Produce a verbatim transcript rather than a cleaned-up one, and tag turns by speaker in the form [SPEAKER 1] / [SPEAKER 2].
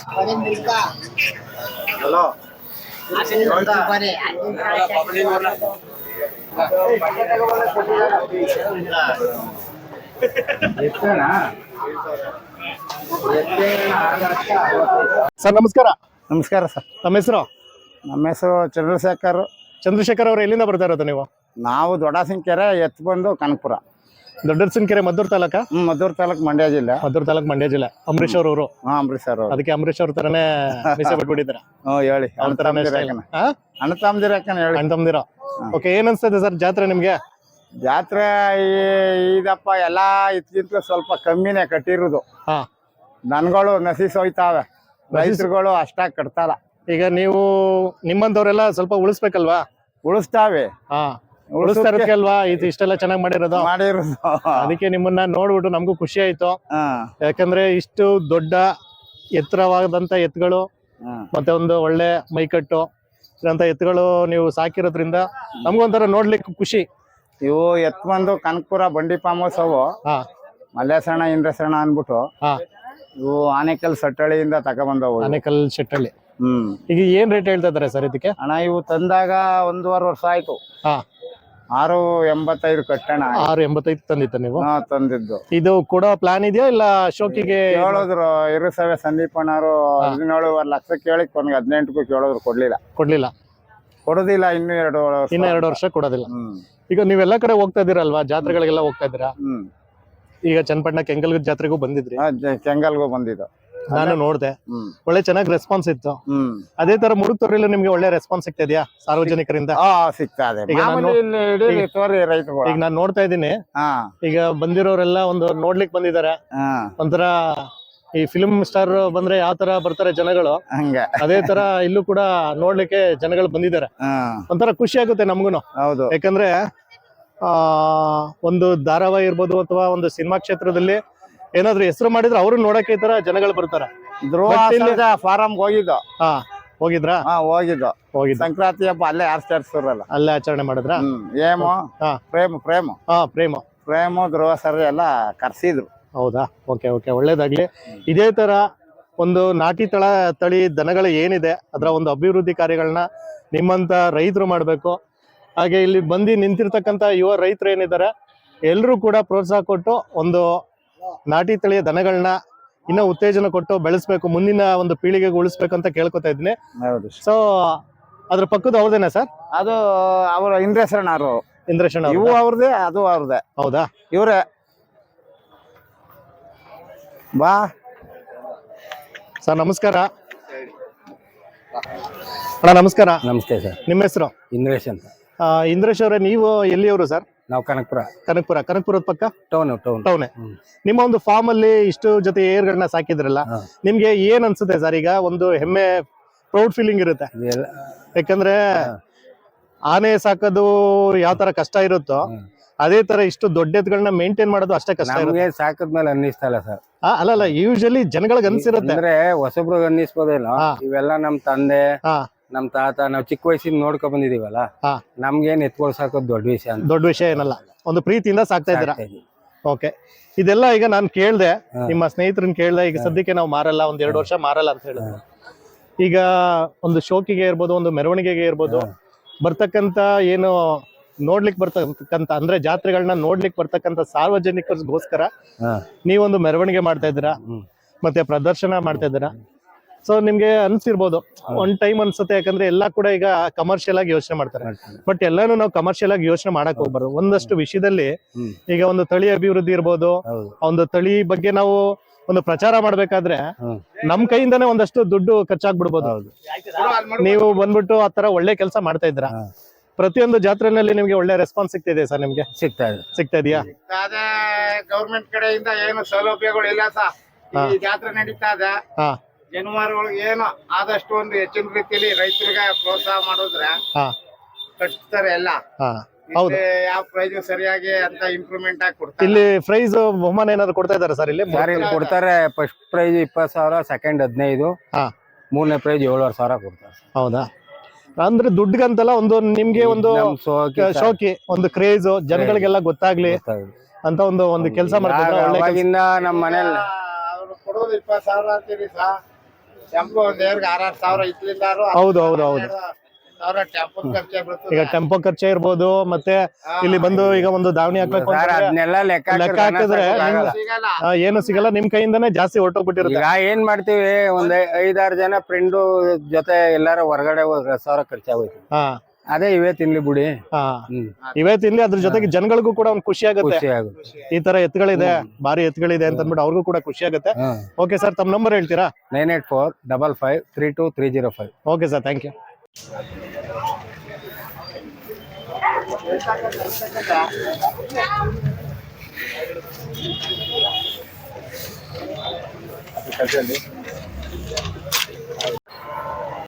[SPEAKER 1] Hello
[SPEAKER 2] sir ನಮಸ್ಕಾರ.
[SPEAKER 3] ನಮಸ್ಕಾರ sir.
[SPEAKER 2] ನಮ್ಮ ಹೆಸರು?
[SPEAKER 3] ನಮ್ಮ ಹೆಸರು ಚಂದ್ರಶೇಖರ್.
[SPEAKER 2] ಚಂದ್ರಶೇಖರ್ ಅವರು ಎಲ್ಲಿಂದ ಬರ್ತಾ ಇರೋದು ನೀವು?
[SPEAKER 3] ನಾವು ದೊಡ್ಡಸಿಂಕೆರೆ, ಎತ್ತು ಬಂದು ಕನಕಪುರ.
[SPEAKER 2] ದೊಡ್ಡಸಿಂಕೆರೆ ಮದ್ದೂರು ತಾಲೂಕ?
[SPEAKER 3] ಹ್ಮ್, ಮದ್ದೂರು ತಾಲೂಕು, ಮಂಡ್ಯ ಜಿಲ್ಲೆ.
[SPEAKER 2] ಮದ್ದೂರು ತಾಲೂಕು, ಮಂಡ್ಯ ಜಿಲ್ಲೆ. ಅಂಬರೀಶ್ ಅವರು?
[SPEAKER 3] ಹಾ, ಅಂಬರೀಶ್ ಅವರು.
[SPEAKER 2] ಅದಕ್ಕೆ ಅಂಬರೀಶ್ ಅವ್ರ ತರನೇ ಮೀಸೆ ಬಿಟ್ಬಿಟ್ಟಿದ್ದೀರಾ?
[SPEAKER 3] ಹ್ಮ್, ಹೇಳಿ.
[SPEAKER 2] ಅವ್ರ ತರನೇ
[SPEAKER 3] ಅಣ್ಣ ತಮ್ಮದಿರಕ್ಕನ ಹೇಳಿ.
[SPEAKER 2] ಅಣ್ಣ ತಮ್ಮದಿರ. ಓಕೆ, ಏನ್ ಅನ್ಸ್ತದೆ ಸರ್ ಜಾತ್ರೆ ನಿಮ್ಗೆ?
[SPEAKER 3] ಜಾತ್ರೆ ಇದಪ್ಪ ಎಲ್ಲಾ ಇದ್ಕಿಂತ ಸ್ವಲ್ಪ ಕಮ್ಮಿನೇ ಕಟ್ಟಿರೋದು.
[SPEAKER 2] ಹಾ,
[SPEAKER 3] ದನಗಳು ನಶಿಸ್ ಹೋಯ್ತಾವೆ, ರೈತರುಗಳು ಅಷ್ಟಾಗಿ ಕಟ್ತಾರ.
[SPEAKER 2] ಈಗ ನೀವು ನಿಮ್ಮಂತವ್ರೆಲ್ಲ ಸ್ವಲ್ಪ ಉಳಿಸ್ಬೇಕಲ್ವಾ?
[SPEAKER 3] ಉಳಿಸ್ತಾವೆ.
[SPEAKER 2] ಹಾ, ಉಳಿಸ್ತಾ ಇರೋದಲ್ವಾ ಇದು ಇಷ್ಟೆಲ್ಲ ಚೆನ್ನಾಗಿ ಮಾಡಿರೋದು?
[SPEAKER 3] ಮಾಡಿರೋದು.
[SPEAKER 2] ಅದಕ್ಕೆ ನಿಮ್ಮನ್ನ ನೋಡ್ಬಿಟ್ಟು ನಮಗೂ ಖುಷಿ ಆಯ್ತು.
[SPEAKER 3] ಹಾ,
[SPEAKER 2] ಯಾಕಂದ್ರೆ ಇಷ್ಟು ದೊಡ್ಡ ಎತ್ತರವಾದಂತ ಎತ್ತುಗಳು ಮತ್ತೆ ಒಂದು ಒಳ್ಳೆ ಮೈಕಟ್ಟು ಇರಂತ ಎತ್ತುಗಳು ನೀವು ಸಾಕಿರೋದ್ರಿಂದ ನಮ್ಗೊಂಥರ ನೋಡ್ಲಿಕ್ಕೆ ಖುಷಿ.
[SPEAKER 3] ಇವು ಎತ್ ಬಂದು ಕನಕಪುರ ಬಂಡಿ ಫಾರ್ಮ್ ಹೌಸ್ ಅವು.
[SPEAKER 2] ಹಾ,
[SPEAKER 3] ಮಲ್ಲೇಸಣ್ಣ ಇಂದ್ರಸಣ್ಣ ಅನ್ಬಿಟ್ಟು.
[SPEAKER 2] ಹಾ,
[SPEAKER 3] ಇವು ಆನೆಕಲ್ ಸಟ್ಟಳಿಯಿಂದ ತಗೊಬಂದವು.
[SPEAKER 2] ಆನೆಕಲ್ ಶೆಟ್ಟಳ್ಳಿ.
[SPEAKER 3] ಹ್ಮ್,
[SPEAKER 2] ಈಗ ಏನ್ ರೇಟ್ ಹೇಳ್ತಾ ಇದಾರೆ ಸರ್ ಇದಕ್ಕೆ?
[SPEAKER 3] ಅಣ್ಣ ಇವು ತಂದಾಗ ಒಂದೂವರೆ ವರ್ಷ ಆಯ್ತು.
[SPEAKER 2] ಹಾ,
[SPEAKER 3] ಆರು ಎಂಬತ್ತೈದು ಕಟ್ಟಣ.
[SPEAKER 2] ಆರು ಎಂಬತ್ತೈದು ತಂದಿತ್ತ ನೀವು?
[SPEAKER 3] ಹಾ, ತಂದಿದ್ದು.
[SPEAKER 2] ಇದು ಕೊಡೋ ಪ್ಲಾನ್ ಇದೆಯಾ ಇಲ್ಲ ಶೋಕಿಗೆ?
[SPEAKER 3] ಕೇಳಿದ್ರು ಇರುಸವೆ ಸಂದೀಪಣ್ಣವರು ಹದಿನೇಳುವರೆ ಲಕ್ಷ ಕೇಳಿ ಕೊನೆಗೆ ಹದಿನೆಂಟಕ್ಕೂ ಕೇಳಿದ್ರು, ಕೊಡ್ಲಿಲ್ಲ.
[SPEAKER 2] ಕೊಡ್ಲಿಲ್ಲ?
[SPEAKER 3] ಕೊಡೋದಿಲ್ಲ ಇನ್ನು ಎರಡು
[SPEAKER 2] ಇನ್ನ ಎರಡು ವರ್ಷ ಕೊಡೋದಿಲ್ಲ.
[SPEAKER 3] ಹ್ಮ್.
[SPEAKER 2] ಈಗ ನೀವೆಲ್ಲಾ ಕಡೆ ಹೋಗ್ತಾ ಇದೀರಲ್ವಾ, ಜಾತ್ರೆಗಳಿಗೆಲ್ಲ ಹೋಗ್ತಾ ಇದ್ದೀರಾ?
[SPEAKER 3] ಹ್ಮ್.
[SPEAKER 2] ಈಗ ಚನ್ನಪಟ್ಟಣ ಕೆಂಗಲ್ ಜಾತ್ರೆಗೂ ಬಂದಿದ್ರಿ?
[SPEAKER 3] ಕೆಂಗಲ್ಗೂ ಬಂದಿದ್ದು
[SPEAKER 2] ನಾನು ನೋಡ್ದೆ.
[SPEAKER 3] ಹ್ಮ್.
[SPEAKER 2] ಒಳ್ಳೆ ಚೆನ್ನಾಗಿ ರೆಸ್ಪಾನ್ಸ್ ಇತ್ತು.
[SPEAKER 3] ಹ್ಮ್.
[SPEAKER 2] ಅದೇ ತರ ಮುರುಗ್ತೊರೆಯಲ್ಲಿ ನಿಮ್ಗೆ ಒಳ್ಳೆ ರೆಸ್ಪಾನ್ಸ್ ಸಿಗ್ತಾ ಇದೆಯಾ ಸಾರ್ವಜನಿಕರಿಂದ?
[SPEAKER 3] ಹಾ, ಸಿಗ್ತಾ ಇದೆ.
[SPEAKER 2] ಈಗ ನಾನು
[SPEAKER 3] ರೈತರು
[SPEAKER 2] ಈಗ ನಾನು ನೋಡ್ತಾ ಇದ್ದೀನಿ.
[SPEAKER 3] ಹಾ,
[SPEAKER 2] ಈಗ ಬಂದಿರೋರೆಲ್ಲ ಒಂದು ನೋಡ್ಲಿಕ್ ಬಂದಿದ್ದಾರೆ.
[SPEAKER 3] ಹಾ,
[SPEAKER 2] ಒಂಥರ ಈ ಫಿಲ್ಮ್ ಸ್ಟಾರ್ ಬಂದ್ರೆ ಯಾವ ತರ ಬರ್ತಾರೆ ಜನಗಳು,
[SPEAKER 3] ಹಂಗೆ
[SPEAKER 2] ಅದೇ ತರ ಇಲ್ಲೂ ಕೂಡ ನೋಡ್ಲಿಕ್ಕೆ ಜನಗಳು ಬಂದಿದ್ದಾರೆ.
[SPEAKER 3] ಹಾ,
[SPEAKER 2] ಒಂಥರ ಖುಷಿ ಆಗುತ್ತೆ ನಮ್ಗುನು.
[SPEAKER 3] ಹೌದು.
[SPEAKER 2] ಯಾಕಂದ್ರೆ ಆ ಒಂದು ಧಾರಾವಾಹಿ ಇರ್ಬೋದು ಅಥವಾ ಒಂದು ಸಿನಿಮಾ ಕ್ಷೇತ್ರದಲ್ಲಿ ಏನಾದ್ರು ಹೆಸರು ಮಾಡಿದ್ರೆ ಅವ್ರು ನೋಡಕ್ಕೆ ಈ ತರ ಜನಗಳು ಬರ್ತಾರೆ.
[SPEAKER 3] ಧ್ರುವ ಫಾರಂ ಹೋಗಿದ್ದು.
[SPEAKER 2] ಹಾ, ಹೋಗಿದ್ರಾ?
[SPEAKER 3] ಹಾ, ಹೋಗಿದ್ದು.
[SPEAKER 2] ಹೋಗಿದ್ದು.
[SPEAKER 3] ಸಂಕ್ರಾಂತಿ ಹಬ್ಬ ಅಲ್ಲೇ ಆಚರಿಸ್ತಾರಲ್ಲ,
[SPEAKER 2] ಅಲ್ಲೇ ಆಚರಣೆ ಮಾಡಿದ್ರ?
[SPEAKER 3] ಏಮು ಪ್ರೇಮ ಪ್ರೇಮ
[SPEAKER 2] ಹಾ, ಪ್ರೇಮ
[SPEAKER 3] ಪ್ರೇಮ ಧ್ರುವ ಸರ್ ಎಲ್ಲ ಕರ್ಸಿದ್ರು.
[SPEAKER 2] ಹೌದಾ? ಓಕೆ ಓಕೆ, ಒಳ್ಳೇದಾಗ್ಲಿ. ಇದೇ ತರ ಒಂದು ನಾಟಿ ತಳ ತಳಿ ದನಗಳು ಏನಿದೆ ಅದರ ಒಂದು ಅಭಿವೃದ್ಧಿ ಕಾರ್ಯಗಳನ್ನ ನಿಮ್ಮಂತ ರೈತರು ಮಾಡ್ಬೇಕು. ಹಾಗೆ ಇಲ್ಲಿ ಬಂದು ನಿಂತಿರ್ತಕ್ಕಂಥ ಯುವ ರೈತರು ಏನಿದ್ದಾರೆ ಎಲ್ಲರೂ ಕೂಡ ಪ್ರೋತ್ಸಾಹ ಕೊಟ್ಟು ಒಂದು ನಾಟಿ ತಳಿಯ ದನಗಳನ್ನ ಇನ್ನ ಉತ್ತೇಜನ ಕೊಟ್ಟು ಬೆಳೆಸ್ಬೇಕು, ಮುಂದಿನ ಒಂದು ಪೀಳಿಗೆಗೆ ಉಳಿಸ್ಬೇಕು ಅಂತ ಕೇಳ್ಕೊತಾ ಇದ್ದೀನಿ.
[SPEAKER 3] ಹೌದು.
[SPEAKER 2] ಸೊ ಅದ್ರ ಪಕ್ಕದ ಅವ್ರದೇನಾ ಸರ್?
[SPEAKER 3] ಅದು ಅವರ ಇಂದ್ರೇಶಣ್ಣರು.
[SPEAKER 2] ಇಂದ್ರೇಶಣ್ಣ
[SPEAKER 3] ಇವು ಅವ್ರದೇ, ಅದು ಅವ್ರದೇ.
[SPEAKER 2] ಹೌದಾ?
[SPEAKER 3] ಇವ್ರೆ ಬಾ
[SPEAKER 2] ಸರ್ ನಮಸ್ಕಾರ. ಅಣ್ಣ ನಮಸ್ಕಾರ.
[SPEAKER 4] ನಮಸ್ತೆ ಸರ್.
[SPEAKER 2] ನಿಮ್ಮ ಹೆಸರು?
[SPEAKER 4] ಇಂದ್ರೇಶ್ ಅಂತ.
[SPEAKER 2] ಇಂದ್ರೇಶ್ ಅವರೇ, ನೀವು ಎಲ್ಲಿಯವರು ಸರ್?
[SPEAKER 4] ನಾವು ಕನಕಪುರ.
[SPEAKER 2] ಕನಕಪುರ. ಕನಕಪುರದ ಪಕ್ಕ
[SPEAKER 4] ಟೌನ್ ಟೌನ್
[SPEAKER 2] ಟೌನೆ. ನಿಮ್ಮ ಒಂದು ಫಾರ್ಮ್ ಅಲ್ಲಿ ಇಷ್ಟು ಜೊತೆ ಏರ್ಗಳನ್ನ ಸಾಕಿದ್ರಲ್ಲ, ನಿಮ್ಗೆ ಏನ್ ಅನ್ಸುತ್ತೆ ಸರ್? ಈಗ ಒಂದು ಹೆಮ್ಮೆ, ಪ್ರೌಡ್ ಫೀಲಿಂಗ್ ಇರುತ್ತೆ. ಯಾಕಂದ್ರೆ ಆನೆ ಸಾಕೋದು ಯಾವ ತರ ಕಷ್ಟ ಇರುತ್ತೋ ಅದೇ ತರ ಇಷ್ಟು ದೊಡ್ಡ ಎತ್ತುಗಳನ್ನ ಮೇಂಟೈನ್ ಮಾಡೋದು ಅಷ್ಟೇ ಕಷ್ಟ ಇರುತ್ತೆ.
[SPEAKER 4] ಸಾಕದ್ಮೇಲೆ ಅನ್ನಿಸ್ತಲ್ಲ ಸರ್?
[SPEAKER 2] ಅಲ್ಲ ಅಲ್ಲ, ಯೂಶಲಿ ಜನಗಳಿಗೆ ಅನ್ಸಿರುತ್ತೆ.
[SPEAKER 4] ಅಂದ್ರೆ ಹೊಸಬ್ರಿಗೆ ಅನ್ನಿಸ್ಬೋದೇನೋ, ಇವೆಲ್ಲ ನಮ್ ತಂದೆ ನಮ್ ತಾತ ನಾವ್ ಚಿಕ್ಕ ವಯಸ್ಸಿಂದ ನೋಡ್ಕೊಂಡ್ ಬಂದಿದೀವಲ್ಲ, ನಮ್ಗೇನ್ ಎತ್ಕೊಳ್ ಸಾಕೋದ್ ದೊಡ್ಡ ವಿಷಯ ಅಂತ. ದೊಡ್ಡ ವಿಷಯ
[SPEAKER 2] ಏನಲ್ಲ, ಒಂದು ಪ್ರೀತಿಯಿಂದ ಸಾಕ್ತಾ ಇದ್ದೀರಾ. ಓಕೆ, ಇದೆಲ್ಲ ಈಗ ನಾನು ಕೇಳ್ದೆ, ನಿಮ್ಮ ಸ್ನೇಹಿತರನ್ನ ಕೇಳ್ದೆ. ಈಗ ಸದ್ಯಕ್ಕೆ ನಾವು ಮಾರಲ್ಲ, ಒಂದ್ ಎರಡು ವರ್ಷ ಮಾರಲ್ಲ ಅಂತ ಹೇಳಿದ್ರು. ಈಗ ಒಂದು ಶೋಕಿಗೆ ಇರ್ಬೋದು, ಒಂದು ಮೆರವಣಿಗೆಗೆ ಇರ್ಬೋದು, ಬರ್ತಕ್ಕಂತ ಏನು ನೋಡ್ಲಿಕ್ ಬರ್ತಕ್ಕಂತ ಅಂದ್ರೆ ಜಾತ್ರೆಗಳನ್ನ ನೋಡ್ಲಿಕ್ ಬರ್ತಕ್ಕಂತ ಸಾರ್ವಜನಿಕರಿಗೋಸ್ಕರ ನೀವೊಂದು ಮೆರವಣಿಗೆ ಮಾಡ್ತಾ ಇದ್ದೀರಾ, ಮತ್ತೆ ಪ್ರದರ್ಶನ ಮಾಡ್ತಾ ಇದ್ದೀರಾ. ಸೊ ನಿಮ್ಗೆ ಅನ್ಸಿರ್ಬೋದು, ಒಂದ್ ಟೈಮ್ ಅನ್ಸುತ್ತೆ, ಯಾಕಂದ್ರೆ ಎಲ್ಲಾ ಕೂಡ ಈಗ ಕಮರ್ಷಿಯಲ್ ಆಗಿ ಯೋಚನೆ ಮಾಡ್ತಾರೆ. ಬಟ್ ಎಲ್ಲಾನು ನಾವು ಕಮರ್ಷಿಯಲ್ ಆಗಿ ಯೋಚನೆ ಮಾಡಕ್ ಹೋಗ್ಬಾರ್ದು. ಒಂದಷ್ಟು ವಿಷಯದಲ್ಲಿ ಈಗ ಒಂದು ತಳಿ ಅಭಿವೃದ್ಧಿ ಇರ್ಬೋದು, ಒಂದು ತಳಿ ಬಗ್ಗೆ ನಾವು ಒಂದು ಪ್ರಚಾರ ಮಾಡ್ಬೇಕಾದ್ರೆ ನಮ್ ಕೈಯಿಂದಾನೇ ಒಂದಷ್ಟು ದುಡ್ಡು ಖರ್ಚಾಗ್ಬಿಡ್ಬೋದು. ನೀವು ಬಂದ್ಬಿಟ್ಟು ಆತರ ಒಳ್ಳೆ ಕೆಲಸ ಮಾಡ್ತಾ ಇದ್ರ. ಪ್ರತಿಯೊಂದು ಜಾತ್ರೆನಲ್ಲಿ ನಿಮ್ಗೆ ಒಳ್ಳೆ ರೆಸ್ಪಾನ್ಸ್ ಸಿಗ್ತಿದೆ ಸರ್? ನಿಮ್ಗೆ ಸಿಗ್ತಾ ಇದೆ ಸಿಗ್ತಾ ಇದೆಯಾ?
[SPEAKER 3] ಗೌರ್ಮೆಂಟ್ ಕಡೆಯಿಂದ ಏನು ಸೌಲಭ್ಯಗಳು ಇಲ್ಲ ಸರ್. ಈ ಜಾತ್ರೆ ನಡೀತಾ ಇದೆ, ಜಾನುವಾರುಗಳಿಗೆ ಏನು ಆದಷ್ಟು ಒಂದು ಹೆಚ್ಚಿನ ರೀತಿಯಲ್ಲಿ ರೈತರಿಗೆ ಪ್ರೋತ್ಸಾಹ ಮಾಡಿದ್ರೆ ಕಟ್ತಾರೆ ಎಲ್ಲ.
[SPEAKER 2] ಹೌದು,
[SPEAKER 3] ಯಾವ ಪ್ರೈಸ್ ಸರಿಯಾಗಿ ಅಂತ ಇಂಪ್ರೂವ್ಮೆಂಟ್ ಆಗಿ ಕೊಡ್ತಾರೆ.
[SPEAKER 2] ಇಲ್ಲಿ ಪ್ರೈಸ್ ಬಹುಮಾನ ಏನಾದ್ರು ಕೊಡ್ತಾ ಇದಾರೆ ಸರ್? ಇಲ್ಲಿ
[SPEAKER 4] ಕೊಡ್ತಾರೆ. ಫಸ್ಟ್ ಪ್ರೈಸ್ ಇಪ್ಪತ್ತು ಸಾವಿರ, ಸೆಕೆಂಡ್ ಹದಿನೈದು, ಮೂರನೇ ಪ್ರೈಸ್ ಏಳುವರೆ ಸಾವಿರ ಕೊಡ್ತಾರೆ.
[SPEAKER 2] ಹೌದಾ? ಅಂದ್ರೆ ದುಡ್ಡಿಗಂತಲ್ಲ, ಒಂದು ನಿಮ್ಗೆ ಒಂದು ಶೋಕಿ, ಒಂದು ಕ್ರೇಜ್, ಜನಗಳಿಗೆಲ್ಲ ಗೊತ್ತಾಗ್ಲಿ ಅಂತ ಒಂದು ಒಂದು ಕೆಲಸ ಮಾಡ್ತಾರೆ.
[SPEAKER 4] ಅವಾಗಿಂದ ನಮ್ಮ ಮನೇಲಿ
[SPEAKER 3] ಕೊಡೋದು ಇಪ್ಪತ್ತು ಸಾವಿರ ಅಂತೀರಿ ಸರ್, ಟೆಂಪೋ ಒಂದ್ ಏರ್ಗೆ ಆರಾರು ಸಾವಿರ ಇತ್ಲಿಂದ
[SPEAKER 2] ಹೌದು ಹೌದು ಹೌದು
[SPEAKER 3] ಸಾವಿರ ಟೆಂಪೋ ಖರ್ಚೆ ಬರ್ತದೆ.
[SPEAKER 2] ಈಗ ಟೆಂಪೋ ಖರ್ಚೆ ಇರ್ಬೋದು, ಮತ್ತೆ ಇಲ್ಲಿ ಬಂದು ಈಗ ಒಂದು ದಾವಣಿ ಹಾಕ್ಬೇಕು
[SPEAKER 4] ಸರ್
[SPEAKER 2] ಅಂತಂದ್ರೆ
[SPEAKER 4] ಅದನ್ನೆಲ್ಲ ಲೆಕ್ಕ
[SPEAKER 2] ಲೆಕ್ಕ
[SPEAKER 4] ಹಾಕಿದ್ರೆ
[SPEAKER 2] ಹಾಕಿದ್ರೆ
[SPEAKER 4] ಆಗಲ್ಲ.
[SPEAKER 3] ಸಿಗಲ್ಲ.
[SPEAKER 2] ಆ, ಏನು ಸಿಗಲ್ಲ, ನಿಮ್ ಕೈಯಿಂದಾನೇ ಜಾಸ್ತಿ ಹೊರಟೋಗ್ಬಿಟ್ಟಿರುತ್ತೆ.
[SPEAKER 4] ಈಗ ಏನ್ ಮಾಡ್ತೀವಿ ಒಂದ್ ಐ- ಐದಾರು ಜನ ಫ್ರೆಂಡು ಜೊತೆ ಎಲ್ಲಾರ ಹೊರಗಡೆ ಹೋದ್ರೆ ಸಾವಿರ ಖರ್ಚಾಗೋಯ್ತು.
[SPEAKER 2] ಹಾ
[SPEAKER 4] ಅದೇ ಇವೇ ತಿನ್ಲಿ ಬಿಡಿ.
[SPEAKER 2] ಹಾ
[SPEAKER 4] ಹ್ಮ್
[SPEAKER 2] ಇವೇ ತಿನ್ಲಿ, ಅದ್ರ ಜೊತೆಗೆ ಜನಗಳಿಗೂ ಕೂಡ ಒಂದು ಖುಷಿ ಆಗುತ್ತೆ,
[SPEAKER 4] ಖುಷಿ ಆಗುತ್ತೆ.
[SPEAKER 2] ಈ ತರ ಎತ್ತುಗಳಿದೆ, ಭಾರಿ ಎತ್ತುಗಳಿದೆ ಅಂತ ಅಂದ್ಬಿಟ್ಟು ಅವ್ರಿಗೂ ಕೂಡ ಖುಷಿ ಆಗುತ್ತೆ. ಓಕೆ ಸರ್, ತಮ್ಮ ನಂಬರ್ ಹೇಳ್ತೀರಾ?
[SPEAKER 4] Nine eight four double five three two three zero five.
[SPEAKER 2] Okay sir, thank you.
[SPEAKER 3] ಕಲ್ಸಲ್ಲಿ